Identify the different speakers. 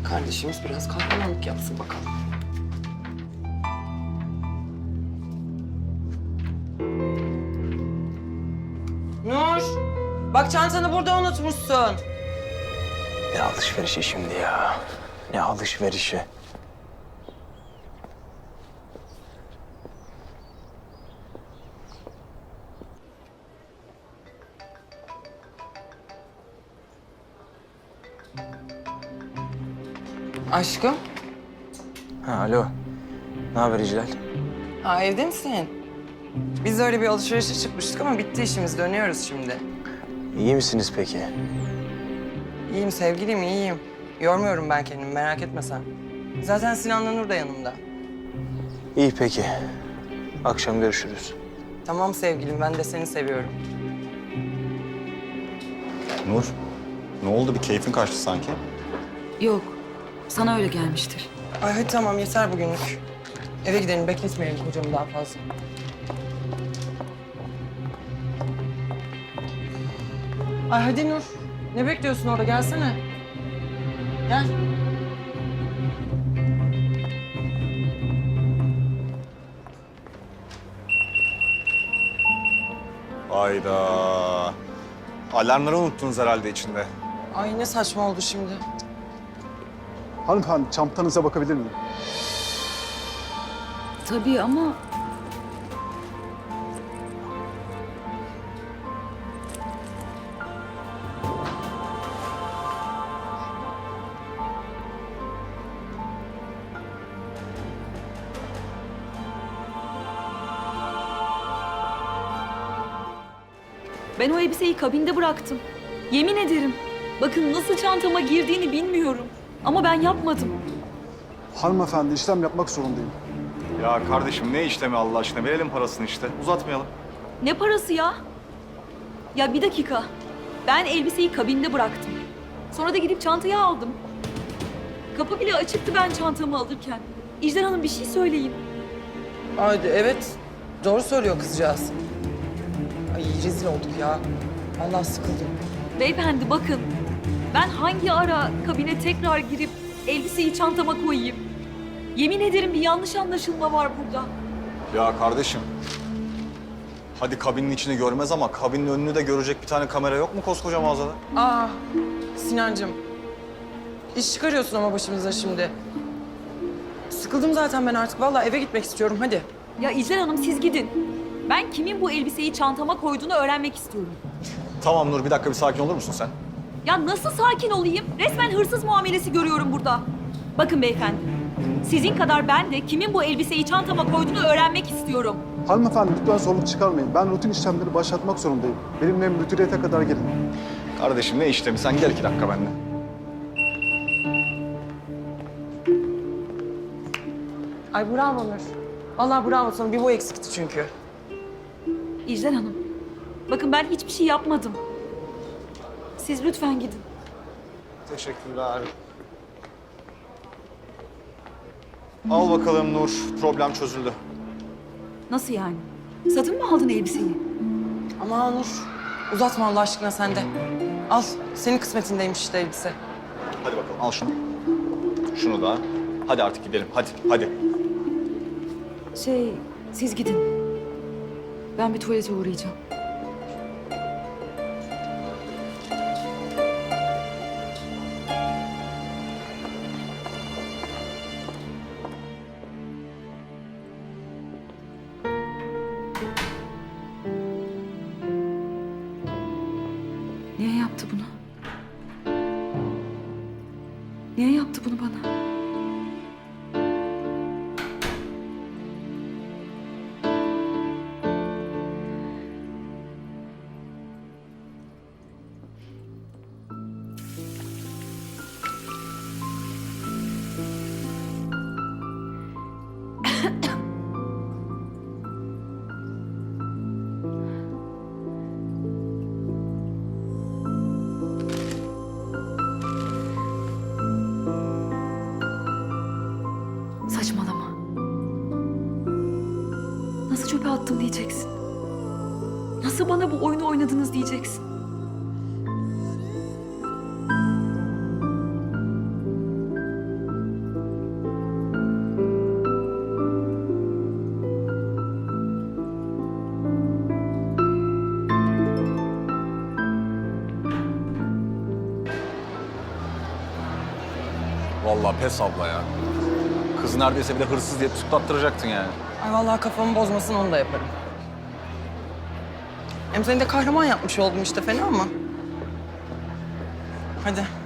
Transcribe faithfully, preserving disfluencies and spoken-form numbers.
Speaker 1: Kardeşimiz biraz kahramanlık yapsın bakalım. Nur, bak çantanı burada unutmuşsun.
Speaker 2: Ne alışverişi şimdi ya? Ne alışverişi?
Speaker 1: Aşkım,
Speaker 2: Ha, alo. Ne haber İclal?
Speaker 1: ha evde misin? Biz öyle bir alışverişe çıkmıştık ama bitti işimiz. Dönüyoruz şimdi.
Speaker 2: İyi misiniz peki?
Speaker 1: İyiyim sevgilim, iyiyim. Yormuyorum ben kendimi, merak etme sen. Zaten Sinan'la Nur da yanımda.
Speaker 2: İyi peki. Akşam görüşürüz.
Speaker 1: Tamam sevgilim, ben de seni seviyorum.
Speaker 3: Nur, ne oldu? Bir keyfin kaçtı sanki.
Speaker 4: Yok, sana öyle gelmiştir.
Speaker 1: Ay hadi tamam, yeter bugünlük. Eve gidelim, bekletmeyelim kocamı daha fazla. Ay hadi Nur. Ne bekliyorsun orada? Gelsene. Gel.
Speaker 3: Hayda. Alarmları unuttunuz herhalde içinde.
Speaker 1: Ay ne saçma oldu şimdi.
Speaker 5: Hanımefendi, çantanıza bakabilir miyim?
Speaker 4: Tabii ama ben o elbiseyi kabinde bıraktım. Yemin ederim. Bakın nasıl çantama girdiğini bilmiyorum. Ama ben yapmadım.
Speaker 5: Hanımefendi, işlem yapmak zorundayım.
Speaker 3: Ya kardeşim ne işlemi Allah aşkına? Verelim parasını işte. Uzatmayalım.
Speaker 4: Ne parası ya? Ya bir dakika. Ben elbiseyi kabinde bıraktım. Sonra da gidip çantayı aldım. Kapı bile açıktı ben çantamı alırken. İcdar Hanım bir şey söyleyin.
Speaker 1: Haydi evet. Doğru söylüyor kızcağız. Ay rezil olduk ya. Allah sıkıldım.
Speaker 4: Beyefendi bakın. Ben hangi ara kabine tekrar girip elbiseyi çantama koyayım? Yemin ederim bir yanlış anlaşılma var burada.
Speaker 3: Ya kardeşim. Hadi kabinin içini görmez ama kabinin önünü de görecek bir tane kamera yok mu koskoca mağazada?
Speaker 1: Aa Sinancığım. İş çıkarıyorsun ama başımıza şimdi. Sıkıldım zaten ben artık. Vallahi eve gitmek istiyorum. Hadi.
Speaker 4: Ya İcdar Hanım siz gidin. Ben kimin bu elbiseyi çantama koyduğunu öğrenmek istiyorum.
Speaker 3: Tamam Nur, bir dakika bir sakin olur musun sen?
Speaker 4: Ya nasıl sakin olayım? Resmen hırsız muamelesi görüyorum burada. Bakın beyefendi, sizin kadar ben de kimin bu elbiseyi çantama koyduğunu öğrenmek istiyorum.
Speaker 5: Hanımefendi, lütfen zorluk çıkarmayın. Ben rutin işlemleri başlatmak zorundayım. Benimle müdüriyete kadar gelin.
Speaker 3: Kardeşim ne işlemi? Sen gel iki dakika benimle.
Speaker 1: Ay bravo Nur. Vallahi bravo sana. Bir bu eksikti çünkü.
Speaker 4: İcdar Hanım, bakın ben hiçbir şey yapmadım. Siz lütfen gidin.
Speaker 3: Teşekkürler. Al bakalım Nur, problem çözüldü.
Speaker 4: Nasıl yani? Satın mı aldın elbiseyi?
Speaker 1: Aman Nur. Uzatma Allah aşkına sen de. Al. Senin kısmetindeymiş işte elbise.
Speaker 3: Hadi bakalım, al şunu. Şunu da. Hadi artık gidelim, hadi, hadi.
Speaker 4: Şey, siz gidin. Ben bir tuvalete uğrayacağım. Niye yaptı bunu? Niye yaptı bunu bana? Saçmalama. Nasıl çöpe attım diyeceksin. Nasıl bana bu oyunu oynadınız diyeceksin.
Speaker 3: vallahi pes abla ya. Kız neredeyse bir de hırsız diye tutuklattıracaktın yani.
Speaker 1: Ay vallahi kafamı bozmasın onu da yaparım. Hem seni de kahraman yapmış oldum işte fena mı? Hadi